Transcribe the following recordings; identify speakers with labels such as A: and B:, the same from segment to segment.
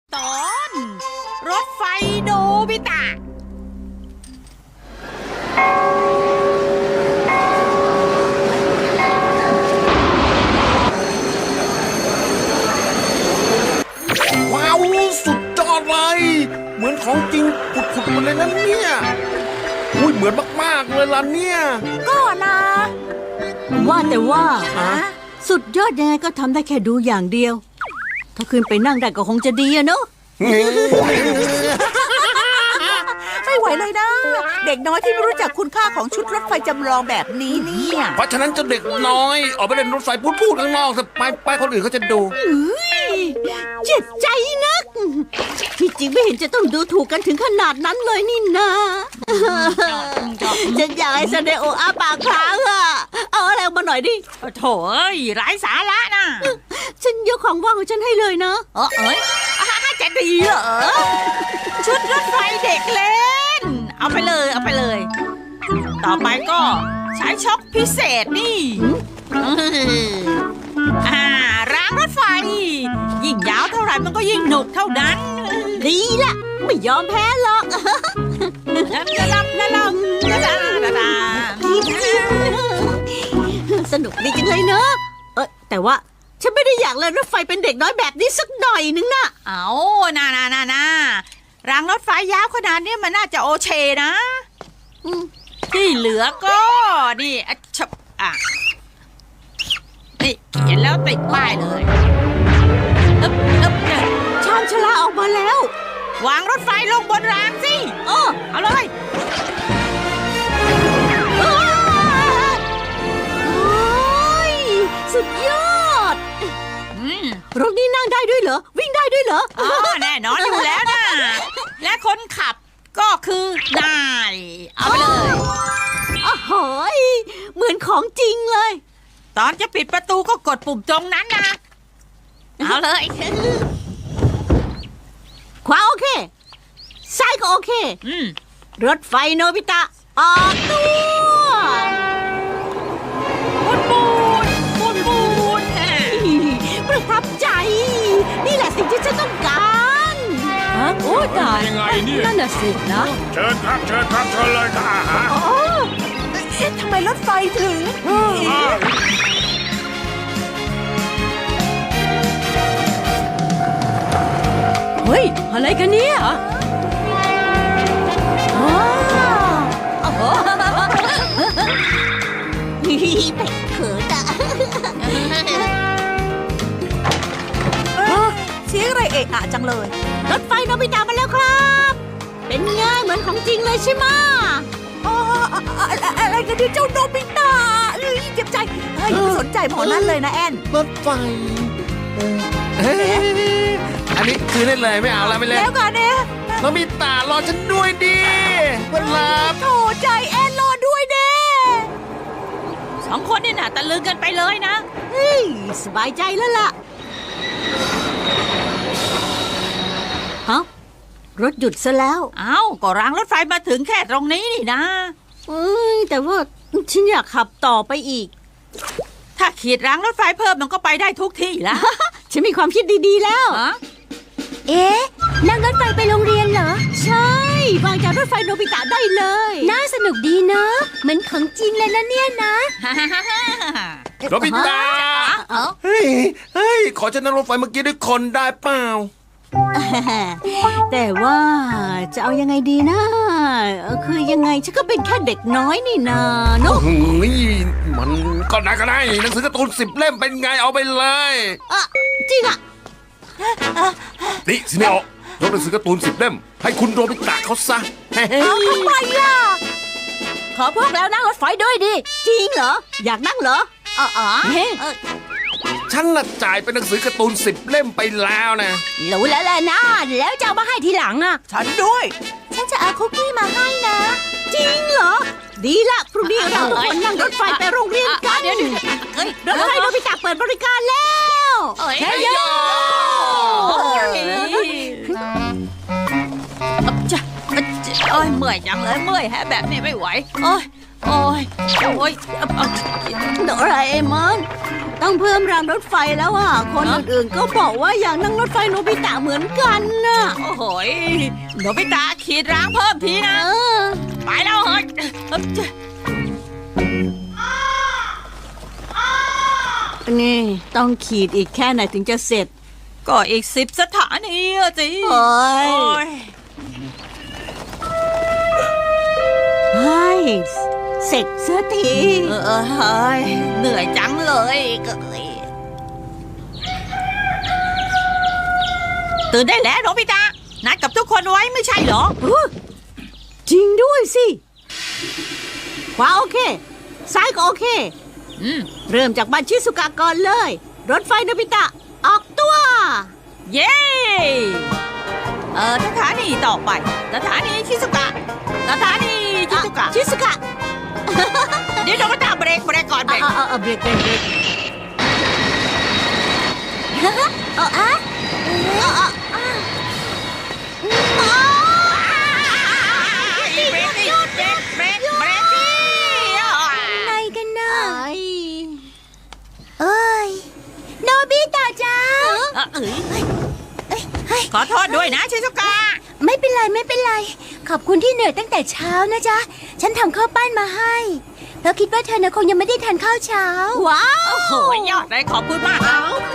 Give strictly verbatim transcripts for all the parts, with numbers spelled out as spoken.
A: ตอนรถไฟโนบิตะ
B: ว้าวสุดยอดเลยเหมือนของจริงผุดๆมาเลยนะเนี่ยอุ้ยเหมือนมากๆเลยล่ะเนี่ย
A: ก็นะ
C: ว่าแต่ว่า
A: ฮะ
C: สุดยอดยังไงก็ทำได้แค่ดูอย่างเดียว ถ้าขึ้นไปนั่งได้ก็คงจะดีอะเนาะ
A: ไม่ไหวเลยนะ เด็กน้อยที่ไม่รู้จักคุณค่าของชุดรถไฟจำลองแบบนี้เนี่ย
B: เพราะฉะนั้นเจะเด็กน้อยออกไปเล่นรถไฟพูดๆข้างนอกเถอะไปไปคนอื่นเขาจะดู
C: เจ็บใจนัก ที่จริงไม่เห็นจะต้องดูถูกกันถึงขนาดนั้นเลยนี่นาฉันอยากให้ซาเดโออาปากค้างอะเอาอะไรมาหน่อยดิ
A: โถ่เอ้ยไร้สาระนะ
C: ฉันยกของว่างของฉันให้เลยนะ
A: เออเอ้ยจะดีเหรอชุดรถไฟเด็กเล่น เอาไปเลยเอาไปเลย ต่อไปก็ใช้ช็อคพิเศษนี่อ่ารางรถไฟ ยิ่งยาวเท่าไหร่มันก็ยิ่งหนุกเท่านั้น
C: ดีละไม่ยอมแพ้หรอก
A: ลำลำลำลำลำลำลำ
C: สนุกดีจังเลยเนอะเออแต่ว่าฉันไม่ได้อยากเล่นรถไฟเป็นเด็กน้อยแบบนี้สักหน่อยนึงนะ
A: เอาน่าน่าน่าน่ารางรถไฟยาวขนาดนี้มันน่าจะโอเคนะที่เหลือก็นี่อ่ะชับอ่ะนี่เขียนแล้วติดป้ายเลยอึ๊บอึ๊บเนี่ย
C: ชามชลาออกมาแล้ว
A: วางรถไฟลงบนรางสิ
C: เออ
A: เอาเลย
C: อ้าวโอ้ยสุดยอด
A: อืม
C: รถนี้นั่งได้ด้วยเหรอ วิ่งได้ด้วยเหรอ
A: อ๋อแน่นอนอยู่แล้วนะและคนขับก็คือนายเอาไปเลย
C: โอ้โหยเหมือนของจริงเลย
A: ตอนจะปิดประตูก็กดปุ่มตรงนั้นนะเอาเลย
C: ขวาโอเค ซ้ายก็โอเค
A: อืม
C: รถไฟโนบิตะออกตัว
A: ปูนปูนปูนปูนแฮะ
C: ประทับใจ นี่แหละสิ่งที่ฉันต้องการฮะโอ้ตาย
D: ยังไงเนี่ย
C: นั่นน่ะสินะ
D: เชิญครับเชิญครับเชิญเลยค่ะฮะ
C: อ๋อเอ๊ะทำไมรถไฟถึง
D: อ้าว
C: เฮ้ย อะไรกันเนี่ยอ๋อโอ้โหเป็ดเขินอะ
A: เสียงอะไรเอะอะจังเลย
C: รถไฟโนบิตะมาแล้วครับ เป็นไงเหมือนของจริงเลยใช่ไหม
A: อะไรกันเนี่ยเจ้าโนบิตะเจ็บใจเฮ้ยไม่สนใจหมอนั่นเลยนะแอน
B: รถไฟเอ้ยอันนี้คืนได้เลยไม่เอาแล้วไม่เล่น
A: แล้วกันเนี่ย
B: น้องมีตารอฉันด้วยดิเพื่อนรัก
A: โถใจแอนรอด้วยเด้สองคนนี่น่ะตะลึงกันไปเลยนะ
C: เฮ้ยสบายใจแล้วล่ะฮะรถหยุดซะแล้ว
A: เอ้าก็รางรถไฟมาถึงแค่ตรงนี้นี่นะ
C: เอ้ยแต่ว่าฉันอยากขับต่อไปอีก
A: ถ้าขีดรางรถไฟเพิ่มมันก็ไปได้ทุกที่ละ
C: ฉันมีความคิดดีๆแล้ว
A: ฮะ
C: เอ๊ะนั่งรถไฟไปโรงเรียนเหรอ ใช่วางจากรถไฟโนบิตะได้เลย น่าสนุกดีเนาะเหมือนของจริงเลยนะเนี่ยนะ
B: โนบิตะ
A: เอ้า
B: เฮ้ยเฮ้ยขอฉันนั่งรถไฟเมื่อกี้ด้วยคนได้เปล่า
C: แต่ว่าจะเอายังไงดีนะเอ่อคือยังไงฉันก็เป็นแค่เด็กน้อยนี่นาเนอะ
B: เฮ้ยมันก็ได้ก็ได้หนังสือการ์ตูนสิบเล่มเป็นไงเอาไปเลย
C: อ่ะจริงอ่ะ
B: นี่สิเนโอยกหนังสือการ์ตูนสิบเล่มให้คุณโนบิตะเขาซะ
C: เอาทำไมอ่ะขอพวกแล้วนั่งรถไฟด้วยดิ จริงเหรอ อยากนั่งเหรอ
A: อ๋ออ๋อ
C: เฮ้
B: ฉันน่ะจ่ายเป็นหนังสือการ์ตูนสิบเล่มไปแล้วนะ
C: รู้แล้วแหละนะ แล้วจะเอามาให้ทีหลังอ่ะ
A: ฉันด้วย
C: ฉันจะเอาคุกกี้มาให้นะ จริงเหรอ ดีละพรุ่งนี้เราทุกคนนั่งรถไฟไปโรงเรียนกัน
A: เดี๋ยวเดี๋ยวเฮ้ย
C: รถไฟโนบิตะเปิดบริการแล้ว
A: เอ้ย
C: เฮ้ยโย
A: จะโอ้ยเมื่อยจังเลยเมื่อยแฮะแบบนี้ไม่ไหวโอ้ยโอ้ยโอ้ย
C: โดราเอมอนตต้องเพิ่มรางรถไฟแล้วอ่ะ คนอื่นๆก็บอกว่าอยากนั่งรถไฟโนบิตะเหมือนกันน่ะ
A: โอ้โหยโนบิตะขีดร้างเพิ่มทีนะ
C: เออ
A: ไปแล้วเฮ้ย
C: นี่ต้องขีดอีกแค่ไหนถึงจะเสร็จ
A: ก็อีกสิบสถานีอะสิ
C: โอ้ย
A: โอ้ย
C: เฮ้ยเสร็จเสียที
A: เออเออเฮ้ยเหนื่อยจังเลยเกยตื่นได้แล้วโนบิตะนัดกับทุกคนไว้ไม่ใช่เหรอ
C: จริงด้วยสิขวาโอเค ซ้ายก็โอเค
A: อืม
C: เริ่มจากบ้านชิสุกะก่อนเลย รถไฟโนบิตะ ออกตัว
A: เย้เออสถานีต่อไปสถานีชิซุกะสถานีชิซุกะ
C: ชิสุกะ
A: เดี๋ยวโนบิตะเบรกเบรกก่อนเบรก
C: เอาเอาเอาเบรกเบรกเบรกเอาอะเอาอะ
A: เบรกดิเบรกเบรกเบรกดิ
C: อะไรกันนะเอ้ยโนบิตะจ้า
A: เออเอ้ยขอโทษด้วยนะชิซุกะ
C: ไม่เป็นไรไม่เป็นไร ขอบคุณที่เหนื่อยตั้งแต่เช้านะจ๊ะ ฉันทำข้าวปั้นมาให้แล้วคิดว่าเธอน่ะคงยังไม่ได้ทานข้าวเช้า ว้าว
A: โอ้โหยอดเลยขอบคุณมากนะ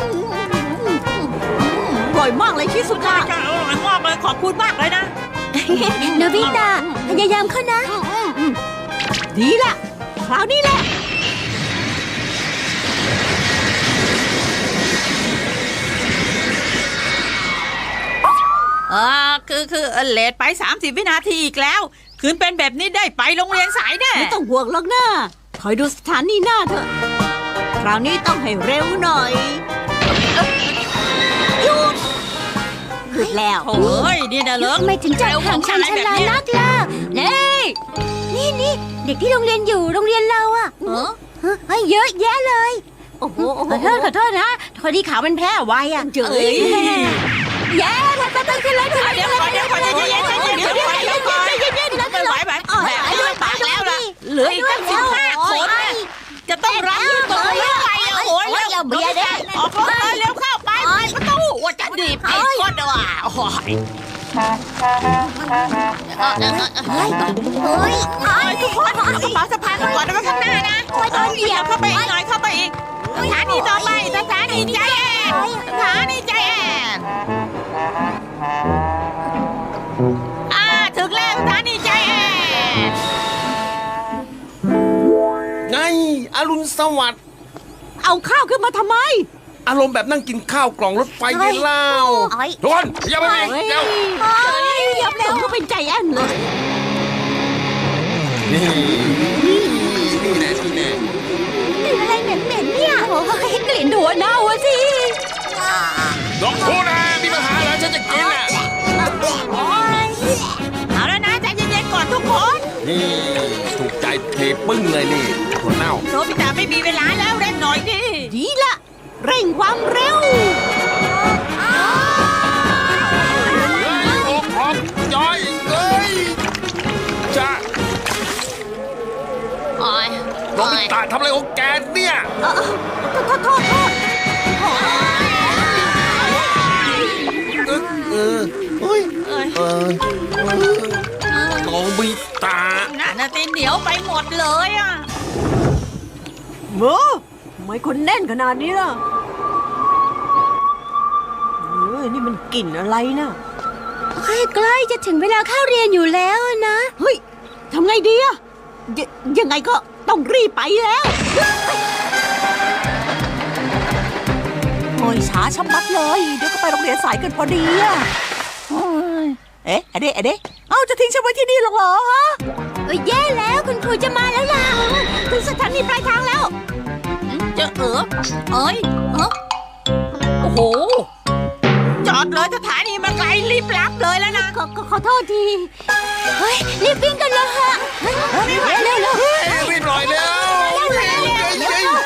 C: อร่อยมากเลยชิสุกะ
A: อร่อยมากเลยขอบคุณมากเลยนะ
C: โนบิตะพยายามเข้านะ ดีละคราวนี้แหละ
A: เออคือคือเออเลทไปสามสิบวินาทีอีกแล้ว คืนเป็นแบบนี้ได้ไปโรงเรียนสายแน่
C: ไม่ต้องห่วงหรอกนะคอยดูสถานีหน้าเถอะ คราวนี้ต้องให้เร็วหน่อยหยุดหยุดแล้ว
A: โอ้ยนี่นะเลิก
C: ทำไมถึงจัดห่างฉันชลานักล่ะนี่นี่นี่เด็กที่โรงเรียนอยู่โรงเรียนเราอะ
A: เออ
C: เฮ้ยเยอะแยะเลย โอ้โหขอโทษขอโทษนะพอดีขาวมันแพ้ไวอะเจ๋ยแย่ไปไปไปขึ้นเลยขึ้นเลย
A: เดี๋ยวก่อนเดี๋ยวก่อนเดี๋ยวเย็นๆเดี๋ยวเดี๋ยวเดี๋ยวก่อน
C: เย็นๆ
A: ไม่ไหวแบบแบบนี้ปากแล้วล่ะเหลืออีกตั้งสิบห้าคนเนี่ยจะต้องรับเรื่องต่อเรื่องไปอ่ะโอ้ยเร็วเบียร์เนี่ยออกรถเลยเร็วเข้าไปปิดประตูว่าจะดีบไอ้คนเดียวอ่ะโอ้ย
C: เฮ้ยเฮ้ย
A: เอ้ยทุกคนเอากระเป๋าสะพายมาก่อนเอาไว้ข้างหน้านะเหยียบเข้าไปอีกหน่อยเข้าไปอีกสถานีต่อไปสถานีใจแอนสถานีใจแอนอ่าถึงแล้วสถานีใจแอน
B: ไงอรุณสวัสดิ์
C: เอาข้าวขึ้นมาทำไม
B: อารมณ์แบบนั่งกินข้าวกล่องรถไฟไงเล่าทุกคนอย่าไปอีกเดี๋ยว
C: ยับแล้วก็เป็นใจแอนเลย
B: นี่นี่แน่นี่แน่
C: กลิ่นอะไรเหม็นๆเนี่ยโอ้ยกลิ่นหัวเน่าอะสิ
B: ลองพูดนะมีปัญหาเหรอฉันจะกินอ่ะ
A: เอาแล้วนะใจเย็นๆก่อนทุกคน
B: นี่ถูกใจเทปึ้งเลยนี่หัวเน่า
A: โนบิตะไม่มีเวลาแล้วเร่งหน่อยดิ
C: ดีละเร่งความเร็ว
B: โอ้โหย้อยเอ้ยจ้า
A: โอ้ย
B: โนบิตะทำอะไรของแกเนี่ย
C: เออโทษโทษโทษ
B: เออเออเฮ้ย
A: เอ้ย
B: เออโนบิตะ
A: น่าจะตีเหนียวไปหมดเลยอ่ะ
C: เมอทำไมคนแน่นขนาดนี้ล่ะเฮ้ยนี่มันกลิ่นอะไรนะใกล้ๆจะถึงเวลาเข้าเรียนอยู่แล้วนะเฮ้ยทำไงดีอะยยังไงก็ต้องรีบไปแล้วโอ้ยช้าชะมัดเลยเดี๋ยวก็ไปโรงเรียนสายกันพอดีอะเอ๊ะอะเดะอะเดะเอ้าจะทิ้งฉันไว้ที่นี่หรอเหรอฮะเอ้ยแย่แล้วคุณครูจะมาแล้วล่ะถึงสถานีปลายทางแล้ว
A: เจอเออเอ้ยเออโอ้โห จอดเลยสถานีมาไกลรีบรับเลยแล้วนะ
C: ขอขอขอโทษที เฮ้ย รีบวิ่งกันเลยฮะเฮ้ยเร็วเร็วเร็ว
B: รีบหน่อยเร็วเร็วเร็ว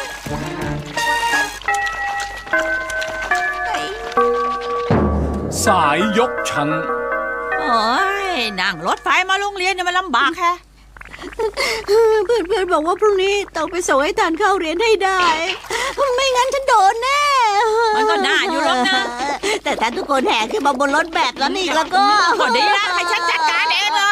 D: สายยกชั้น
A: โอ้ยนั่งรถไฟมาโรงเรียนเนี่ยมันลำบากแค่
C: เพื่อนๆบอกว่าพรุ่งนี้ต้องไปส่งให้ทันเข้าเรียนให้ได้ ไม่งั้นฉันโดนแน่
A: มันก็น่าอยู่หรอกนะ
C: แต่ถ้าทุกคนแห่ขึ้นมาบนรถแบบนั้นอีกแล้วก็
A: ก็ดีนะให้ฉันจัดการเองเลย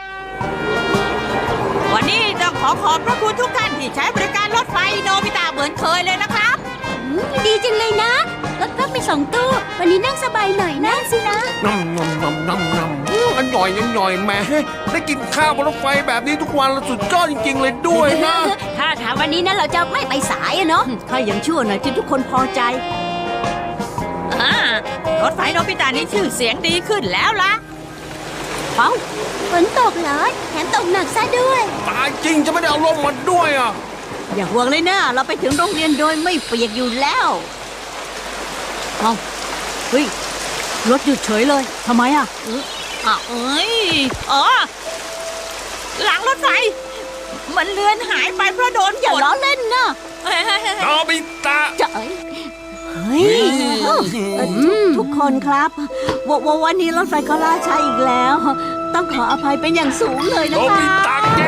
A: วันนี้ต้องขอขอบพระคุณทุกท่านที่ใช้บริการรถไฟโนบิตะเหมือนเคยเลยนะครับ
C: ดีจังเลยนะ รถพักมีสองตู้ วันนี้นั่งสบายหน่อยนั่งสินะ
B: น้ำน้ำน้ำน้ำน้ำอื้ออร่อยอร่อยแหม่ได้กินข้าวบนรถไฟแบบนี้ทุกวันแล้วสุดยอดจริง ๆ เลยด้วยนะ
C: ถ้าถามวันนี้นะเราจะไม่ไปสายอะเนาะข้ายังชั่วหน่อยที่ทุกคนพอใจ
A: อ่ารถไฟโนบิตะนี่ชื่อเสียงดีขึ้นแล้วล่ะ
C: เอ้าฝนตกเหรอแถมตกหนักซะด้วย
B: ตายจริงจะไม่ได้เอาร่มมาด้วยอ่ะ
C: อย่าห่วงเลยนะเราไปถึงโรงเรียนโดยไม่เปียกอยู่แล้วเอ้าเฮ้ยรถหยุดเฉยเลยทำไมอ่ะ
A: อ้าวเอ้ยอ๋อหลังรถไฟ มันเลือนหายไปเพราะโดนฝ
C: อย่าน ล้อเล่นนะ
A: เฮ้ยเฮ้ยเฮ้ย
B: โนบิตะ
C: จะเอ้ยเฮ้ยเอ่อทุกทุกคนครับวววันนี้รถไฟก็ล่าช้าอีกแล้ว ต้องขออภัยเป็นอย่างสูงเลย
B: โน
C: นะค
B: บิ
C: รับ
B: ตะแก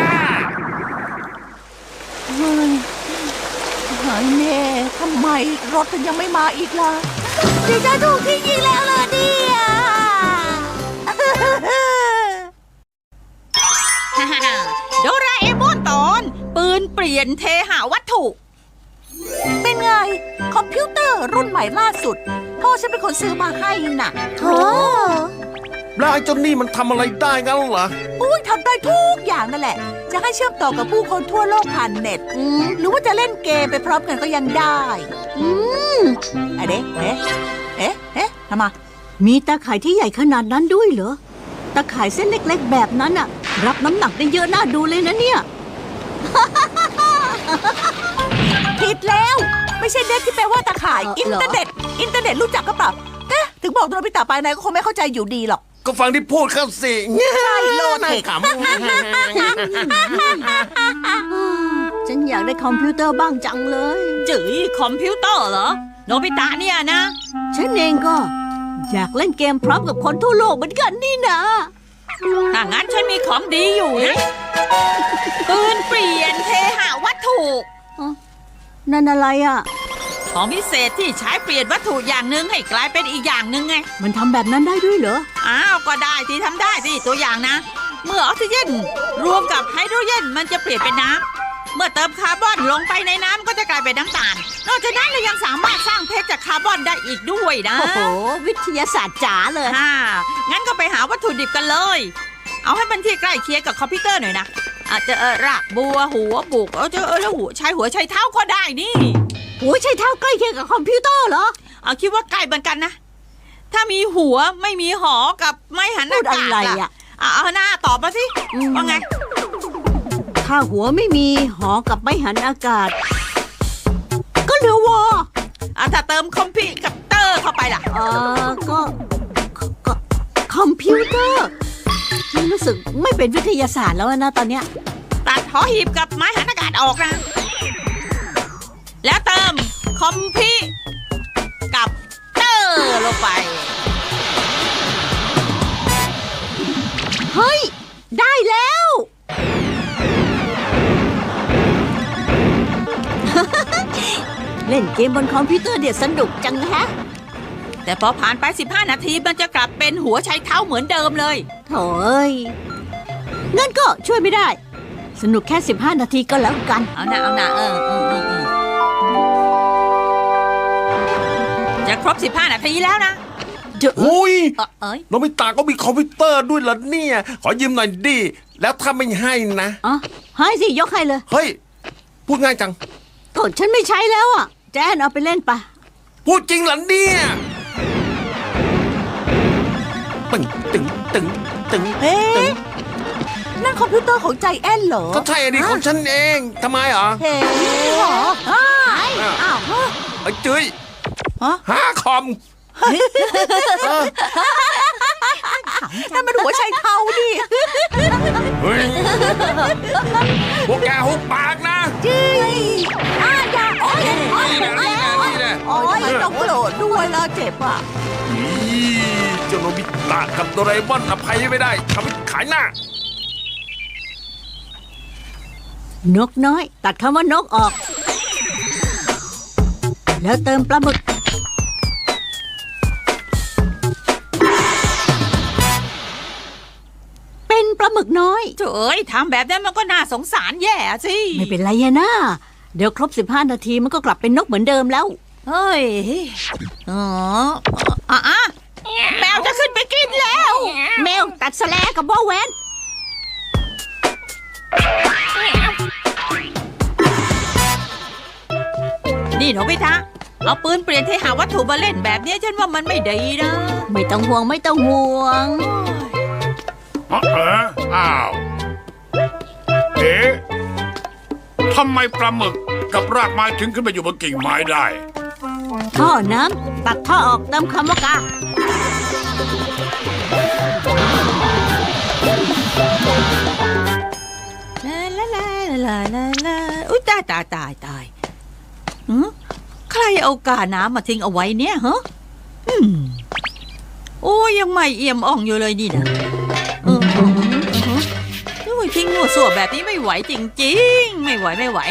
C: เฮ้ยหายแน่ทำไมรถมันยังไม่มาอีกล่ะดิจะถูกทิ้งอีกแล้วเหรอเนี่ย
A: โดราเอมอนตอน ปืนเปลี่ยนเทหาวัตถุ
C: เป็นไง คอมพิวเตอร์รุ่นใหม่ล่าสุด พ่อฉันเป็นคนซื้อมาให้น่ะโอ้
B: แล้วไอ้เจ้านี่มันทำอะไรได้กันเหรอ
C: อุ้ยทำได้ทุกอย่างนั่นแหละ จะให้เชื่อมต่อกับผู้คนทั่วโลกผ่านเน็ตหรือว่าจะเล่นเกมไปพร้อมกันก็ยังได้อืมอะเด๊ะเอ๊ะเอ๊ะเอ๊ะทำไมมีตาข่ายที่ใหญ่ขนาดนั้นด้วยเหรอตาข่ายเส้นเล็กๆแบบนั้นอะรับน้ำหนักได้เยอะน่าดูเลยนะเนี่ย ผิดแล้ว ไม่ใช่เน็ตที่แปลว่าตาข่ายอินเทอร์เน็ตอินเทอร์เน็ตรู้จักก็เปล่าเอ๊ะถึงบอกโดนพิตาไปไหนก็คงไม่เข้าใจอยู่ดีหรอก
B: ก็ฟังที่พูดเข้าสิ
C: ใช่โลด
B: น่า
C: เทค
B: ข
C: ฉันอยากได้คอมพิวเตอร์บ้างจังเลย
A: จื๋ยคอมพิวเตอร์เหรอ โนบิตะเนี่ยนะ
C: ฉันเองก็อยากเล่นเกมพร้อมกับคนทั่วโลกเหมือนกันนี่นะ
A: ถ้างั้นฉันมีของดีอยู่นะ ปืนเปลี่ยนเทหาวัตถุ
C: นั่นอะไรอ่ะ
A: ของพิเศษที่ใช้เปลี่ยนวัตถุอย่างหนึ่งให้กลายเป็นอีกอย่างหนึ่งไง
C: มันทำแบบนั้นได้ด้วยเหรอ
A: อ้าวก็ได้ที่ทำได้สิตัวอย่างนะ เมื่อออกซิเจนรวมกับไฮโดรเจนมันจะเปลี่ยนเป็นน้ำเมื่อเติมคาร์บอนลงไปในน้ำก็จะกลายเป็นน้ำตาล นอกจากนั้นเรายังสามารถสร้างเพชรจากคาร์บอนได้อีกด้วยนะ
C: โอ้โห วิทยาศาสตร์จ๋าเลย
A: ฮ่างั้นก็ไปหาวัตถุดิบกันเลย เอาให้มันที่ใกล้เคียงกับคอมพิวเตอร์หน่อยนะ อาจจะเออรากบัวหัวบุกเออจะเออแล้วหัวใช้หัวใช้เท้าก็ได้นี่
C: โอ้ยใช่เท่าใกล้เคียงกับคอมพิวเตอร์เหรอ
A: เอาคิดว่าใกล้เหมือนกันนะ ถ้ามีหัวไม่มีหอกับไม่หันอา
C: พูด
A: กาศ
C: อะไร
A: ล่ะ
C: อ่ะ
A: เอาเอาหน้าตอบมาสิ
C: อืม
A: ว่าไง
C: ถ้าหัวไม่มีหอกับไม่หันอากาศ ก็เหลือวอ
A: อ่ะถ้าเติมคอมพิวเตอร์เข้าไปล่ะ
C: เออก็ก็ก็คอมพิวเตอร์นี่รู้สึกไม่เป็นวิทยาศาสตร์แล้วนะตอนเนี้ย
A: ตัดหอหีบกับไม้หันอากาศออกนะ แล้วเติมคอมพิวกับเตอร์ลงไป
C: เฮ้ย ได้แล้ว เล่นเกมบนคอมพิวเตอร์เดี๋ยวสนุกจังฮะ
A: แต่พอผ่านไปสิบห้านาทีมันจะกลับเป็นหัวใช้เท้าเหมือนเดิมเลย
C: โถ่เอ้ยงั้นก็ช่วยไม่ได้ สนุกแค่สิบห้านาทีก็แล้วกัน
A: เอาหน้าเอาหน้าเออเออเออเออจะครบสิบห้านาทีแล้วนะ
C: เดี๋ยว
B: อุ้ย
A: เออเอ้ย
B: โนบิตะก็มีคอมพิวเตอร์ด้วยเหรอเนี่ย ขอยืมหน่อยดิ แล้วถ้าไม่ให้นะ
C: อ่ะให้สิยกให้เลย
B: เฮ้ย พูดง่ายจัง
C: ก็ฉันไม่ใช้แล้วอ่ะ แจนเอาไปเล่นปะ
B: พูดจริงเหรอเนี่ยตึงตึงตึงตึง
C: เอ๊ะนั่นคอมพิวเตอร์ของใจแอนเหรอ
B: ก็ใช่อันนี้ของฉันเองทำไมเหรอ
C: เฮ้เหรออ้าวอ้าว
B: ไอ้จุ้ย
C: ฮะ
B: หาคอมเออ
C: นั่นมันหัวใจเท้าดิ
B: เฮ้ยพวกแกหุบปากนะ
C: จี้อ้าอย่าโอ้ยโอ้ย
B: นี่แหละนี่แหละนี่แหละ
C: โอ้ยต้องโกรธด้วยแล้วเจ็บอ่ะ
B: อีเจ้าโนบิตะกับโดราเอมอนอภัยไม่ได้ทำให้ขายหน้า
C: นกน้อย ตัดคำว่านกออก แล้วเติมปลาหมึก เป็นปลาหมึกน้อย
A: เอ้ยทำแบบนั้นมันก็น่าสงสารแย่สิ
C: ไม่เป็นไรอะนะเดี๋ยวครบสิบห้านาทีมันก็กลับเป็นนกเหมือนเดิมแล้ว
A: เฮ้ยอ๋ออ่ะอ่ะแมวจะขึ้นไปกินแล้ว
C: แมวตัดสแลกับบ่อแหวน
A: นี่โนบิตะเอาปืนเปลี่ยนที่หาวัตถุมาเล่นแบบนี้ฉันว่ามันไม่ดีนะ
C: ไม่ต้องห่วงไม่ต้องห่วง
E: เอออ้าว เอ๊ะทำไมปลาหมึกกับรากไม้ถึงขึ้นไปอยู่บนกิ่งไม้ได้
C: ท่อน้ำตัดท่อออกเติมคำว่ากา
A: ลาลาลาลาลาลาอุ้ยตายตายตายตายหือใครเอากาน้ำมาทิ้งเอาไว้เนี่ยฮะอืมโอ้ยยังไม่เอี่ยมอ่องอยู่เลยนี่นะเออเออเออโอ้ยทิ้งหัวส่วแบบนี้ไม่ไหวจริงๆ ไม่ไหวไม่ไหว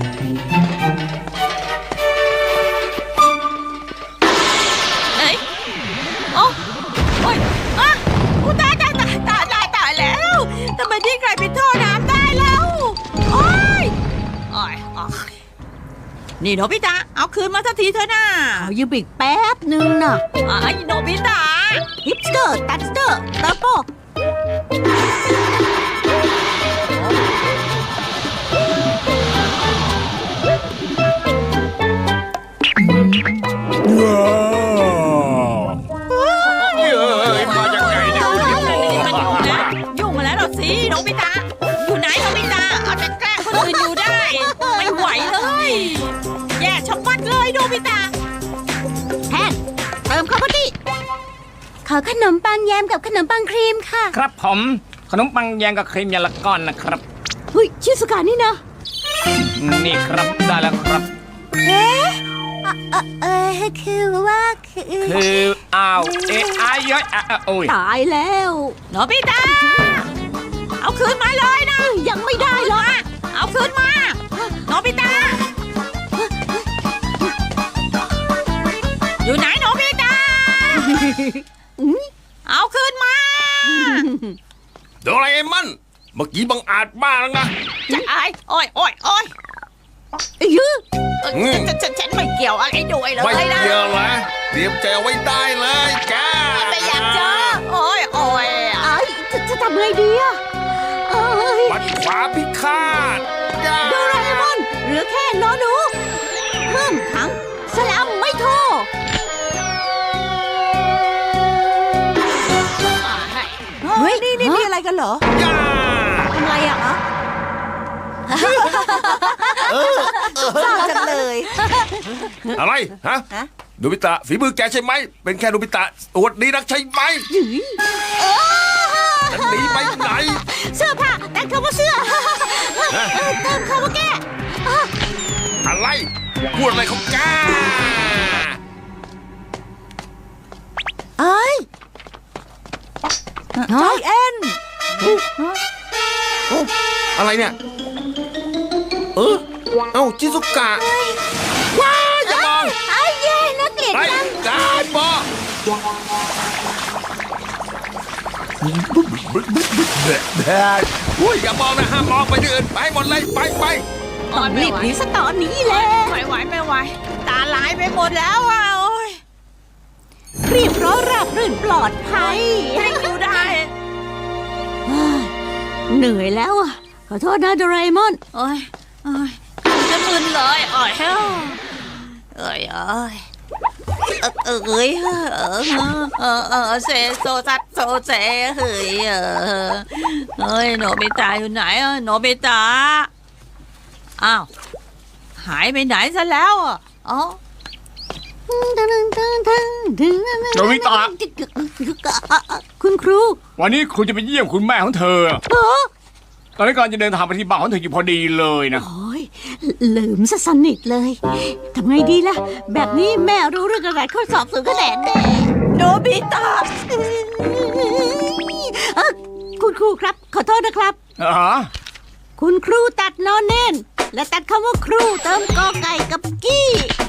A: เอ้ยโอ้โอ้ยอ่ะอุ๊ยตายตายตายตายตายตายแล้วทำไมที่ใครเป็นท่อน้ำได้แล้วโอ้ยโอ้ยโอ้ยนี่โนบิตะเอาคืนมาสักทีเถอะนะ
C: เอายืมอีกแป๊บนึงนะ
A: ไอ้โนบิตะ
C: ฮิปสเตอร์ตัดสเตอร์เติมโป
E: เอ้ยมายังไงเนี่ยคุณ
A: มันยุ่งแล้วยุ่งมาแล้วเหรอสิโนบิตะอยู่ไหนโนบิตะเอาแต่แกล้งคนอื่นอยู่ได้ ไม่ไหวเลย แย่ชะมัดเลยโนบิตะ
C: แทนเติมคำว่าดิ
F: ขอขนมปังแยมกับขนมปังครีมค่ะ
D: ครับผมขนมปังแยงกับครีมยาละก้อนนะครับ
C: เฮ้ยชิสุกานี่นะ
D: นี่ครับได้แล้วครับ
F: เอ๊ะเอ่อเออคือว่าคือ
D: คืออ้าวเอะอายย้อยอ่ะอ่ะโอ้ย
C: ตายแล้ว
A: โนบิตะเอาคืนมาเลยนะ
C: ยังไม่ได้หรอก
A: เอาคืนมาโนบิตะอยู่ไหนโนบิตะเอาคืนมา
B: โดราเอมอนเมื่อกี้บังอาจมากแล้วนะ
A: จะอายโอ้ยโอ้ยโอ้ย
C: ยื้อ
A: เออฉันฉันฉันไม่เกี่ยวอะไรด้วยเลย
B: ไม่
A: นะ
B: เกี่ยวเลยเตรียมใจเอาไว้ได้เลยแก
A: ไม่อยากเจอโอ้ยโอ้ย
C: ไอ้จะจะทำไงดีอะเอ้ย
B: ปัดขวาพิฆาตย่า
C: โดราเอมอนเหลือแค่นอหนูเพิ่มถังสลัมไม่โทร เฮ้ย นี่นี่นี่อะไรกันเหรอ
B: ย่า
C: ทำไรอ่ะฮะเศร้าจังเลย
B: อะไรฮะ
C: ฮะ
B: โนบิตะฝีมือแกใช่ไหมเป็นแค่โนบิตะอวดดีนักใช่ไหมจะหนีไปไหน
C: เสื้อผ้าแต่งคำว่าเสื้อเออเติมคำว่าแก้
B: อะไรพูดอะไรของแก
C: เอ้ยใจเอ็น
B: อะไรเนี่ย เออเอ้าจิซุกะว้าอย่ามอง
F: ไอ้เย่นักเกลียด
B: ไอ้
F: จัง
B: การบออุ้ยอย่ามองนะห้ามมองไปที่อื่นไปหมดเลยไปไป
C: ต้องรีบหนีซะตอนนี้แหละ
A: ไม่ไหวไม่ไหวตาลายไปหมดแล้วอ่ะโอ้ย
C: รีบร้อราบรื่นปลอดภัย
A: ให้อยู่ได้
C: เฮ้ยเหนื่อยแล้วอ่ะ ขอโทษนะโดราเอมอน
A: โอ้ยโอ้ยจะมึนเลยโอ้ยเฮ้ยเอ้ยเอ้ยเอ้ยเอ้ยเออเออเออเซโซซัดโซเซเฮ้ยเออเฮ้ยโนบิตะอยู่ไหนอ่ะโนบิตะอ้าวหายไปไหนซะแล้วอ่ะอ๋อ
D: โนบิตะ
C: คุณครู
D: วันนี้ครูจะไปเยี่ยมคุณแม่ของเธอ
C: เออ
D: ตอนนี้กำลังจะเดินทางไปที่บ้านของเธออยู่พอดีเลยนะ
C: โอ้ยลืมซะสนิทเลย ทำไงดีล่ะ แบบนี้แม่รู้เรื่องอะไรข้อสอบสูงคะแนนแน่
A: โนบิตะ
C: เออคุณครูครับ ขอโทษนะครับ
D: อ๋อ
C: คุณครูตัดนอนเน้นและตัดคำว่าครูเติมกอไก่กับกี้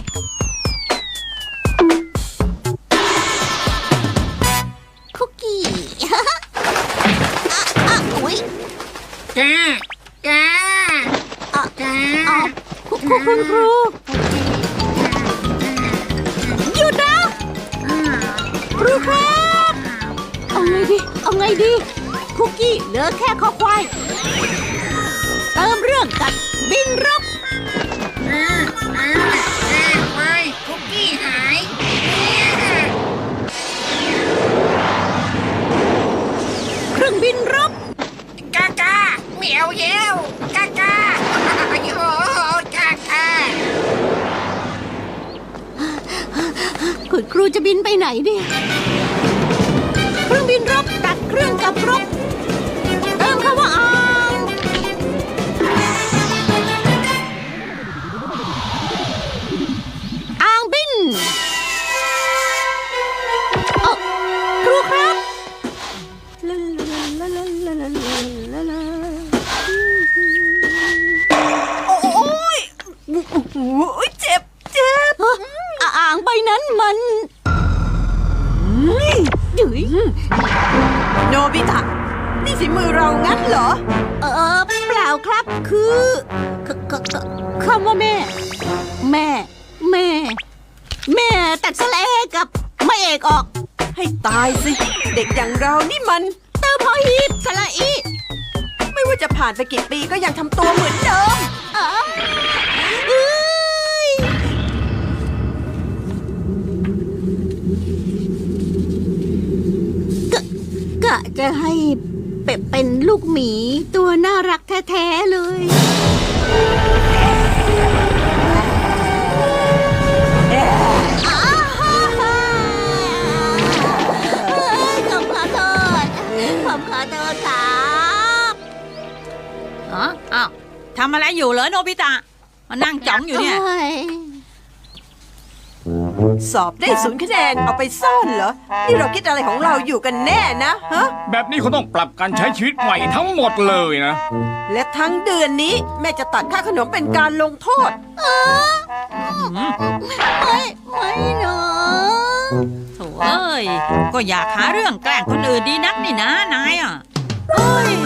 C: คุกกี้ อ่ะอ่ะอุ๊ย
E: แกแก
C: อ่ะ
E: แก
C: อ่ะคุณครูคุณครูหยุดนะครูครับเอาไงดีเอาไงดีคุกกี้เหลือแค่ข้อควายเติมเรื่องกับบินรบ
E: อ่าอ่าอ่าไม่คุกกี้หาย
C: เครื่องบินรบ
E: กากาเหมียวเย้วกากาโอ้กากา
C: คุณครูจะบินไปไหนเนี่ยเครื่องบินรบตัดเครื่องกับรบเติมคำว่าอ่างอ่างบินเอ้าครูครับลาลาลาลาลาลาลาลาโอ้ยโอ้ยเจ็บเจ็บอ่างใบนั้นมันเฮ้ย
G: โนบิตะ นี่ฝีมือเรางั้นเหรอ
C: เออเปล่าครับคือคคคคำว่าแม่ แม่ แม่ แม่ตัดสะเลกับไม่เอกออก
G: ให้ตายสิ เด็กอย่างเรานี่มัน
C: เติมพอฮีบสละอี
G: ไม่ว่าจะผ่านไปกี่ปีก็ยังทำตัวเหมือนเดิม
C: อ๋อเอ้ยกะกะจะให้เป็ดเป็นลูกหมีตัวน่ารักแท้ๆเลยอ้าวผมขอโทษผมขอโทษครับ
A: อ๋ออ้าวทำอะไรอยู่เหรอโนบิตะมานั่งจ้องอยู่เนี่ย
C: โอ้ย
G: สอบได้ศูนย์คะแนนเอาไปซ่อนเหรอ นี่เราคิดอะไรของเราอยู่กันแน่นะฮะ
D: แบบนี้เขาต้องปรับการใช้ชีวิตใหม่ทั้งหมดเลยนะ
G: และทั้งเดือนนี้แม่จะตัดค่าขนมเป็นการลงโทษ
C: ไม่ไม่เนาะ
A: โถ่เอ้ย ก็อยากหาเรื่องแกล้งคนอื่นดีนักนี่นะนายอ่ะเอ้ย